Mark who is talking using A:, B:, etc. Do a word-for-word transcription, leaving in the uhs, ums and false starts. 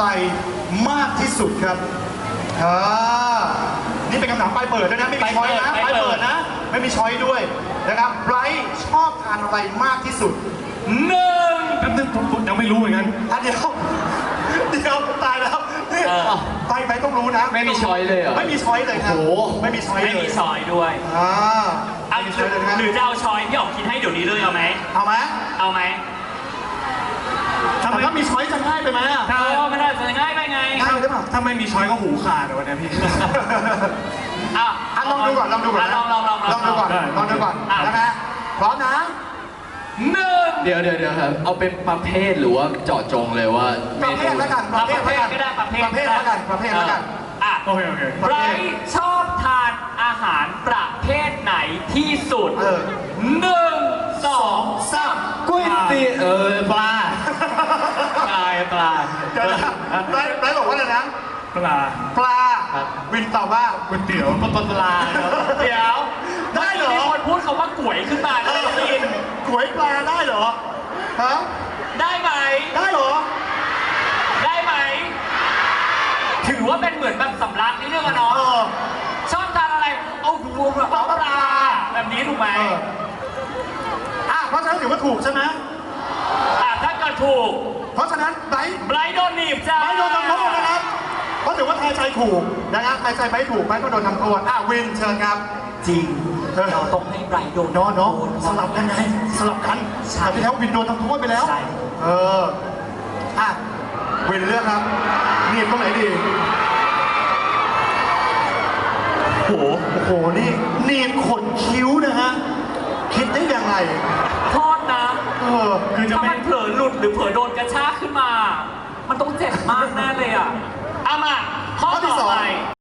A: มากที่สุดครับอ่านี่เป็นคำถามปลายเปิดด้วยนะไม่มีช้อยนะปลายเปิดนะไม่มีช้อยด้วยนะครับไบรท์ชอบทานอะไรมากที่สุด
B: หนึ่ง
C: แป๊บนึงผมผมยังไม่รู้เหมือนกัน
A: อ่ะเดี๋ยวเดี๋ยวตายแล้วนี่ไปไปต้องรู้นะ
B: ไม่มีช้อยเลยเหรอ
A: ไม่มีช้อยเลยครับ
B: โอ้โห
A: ไม่มีช้อยเลย
D: ไม่มีช้อยด้วย
A: อ่า
D: เอา
A: ไม่มีช้อยเลยนะ
D: หรือจะเอาช้อยพี่ออกคิดให้เดี๋ยวนี้เลยเอาไหม
A: เอาไหม
D: เอาไหม
A: ทำไมถ้ามีช้อยจะง่ายไปไหมอ่ะ
D: เออมันอาจจะง่ายไปไง
A: ง่ายไปหรือเปล่า
C: ถ้าไม่มีช้อยก็หูขาดวันนี้พี่
D: อ่ะ
A: อ่ะลองดูก่อนลองดูก่อนนะ
D: ลองลองลอง
A: ลองดูก่อน
C: ได้
A: ลองดูก่อน
D: อ่ะ
A: นะฮะพร้อมนะ
D: หนึ่ง
B: เดี๋ยวเดี๋ยวเดี๋ยวครับ เอาเป็นประเภทหรือว่าเจาะจงเลยว่า
A: ประเภทแล้วกัน
D: เอาประเภท
A: แล้ว
D: ก็ได้ประเภท
A: ประเภทแล้วกันประเภทแล้วกัน
D: อ่ะ
C: โอเคโอเค
D: ไบรท์ชอบทานอาหารประเภทไหนที่สุด
A: เออ
D: หนึ่งสองสาม
B: ก๋วยเตี๋ยวเออปลาปลาปลา
A: เดี๋ยวนะไบรท์ไบรท์บอกว่าอะไรนะ
C: ปลา
A: ปลา
B: ครับ
A: วินตอบว่า
C: ก๋วยเตี๋ยว
B: ปลาปลาครับ
D: เดี๋ยว
A: ได้เหรอ
D: มีคนพูดคำว่าก๋วยขึ้นมา
A: เอ
D: ได้
A: อ
D: ยิน
A: ก๋วยปลาได้เหรอฮะ
D: ได้ไหม
A: ได้เหรอ
D: ได้ไหม ถือว่าเป็นเหมือนแบบสำลักนิดนึงอะ
A: เอ
D: เนาะ
A: อ
D: ชอบทานอะไร เอาหัวแบบเอาปลาแบบนี้ถูกไหม
A: เอออ่ะเพราะฉะนั้นถือว่าถูกใช่ไหม
D: อ่ะถ้าเกิดถูก
A: เพราะฉะนั้นไบรท์
D: ไบรท์โดนหนีบจ้า
A: ไบรท์โดนทำโทษนะครับเพราะถือว่าทายใจถูกนะครับทายใจไบรท์ถูกไบรท์ก็โดนทำโทษอ่ะวินเชิญครับ
D: จริง
A: เออ
D: เราต้องให้ไบรท์โดน
A: เนาะเนาะ
D: โด
A: สลับกันไงสลับกัน
D: ใช่
A: แต่ที่แล้ววินโดนทำโทษไปแล้ว
D: ใช่
A: เอออ่ะวินเลือกครับหนีบตรงไหนดี
D: โอ้โห
A: โอ้โหนี่หนีบขนคิ้วนะฮะคิดได้ยังไง
D: โทษนะ
A: เออ
C: คือจะ
D: ถ้า
C: ไม่
D: มันเผลอหลุดหรือเผลอโดนกระชากขึ้นมา มันต้องเจ็บมากแน่เลยอ่ะเอามาข้อ
A: ข้อที่
D: ต่
A: ส
D: อ
A: อง
D: ไป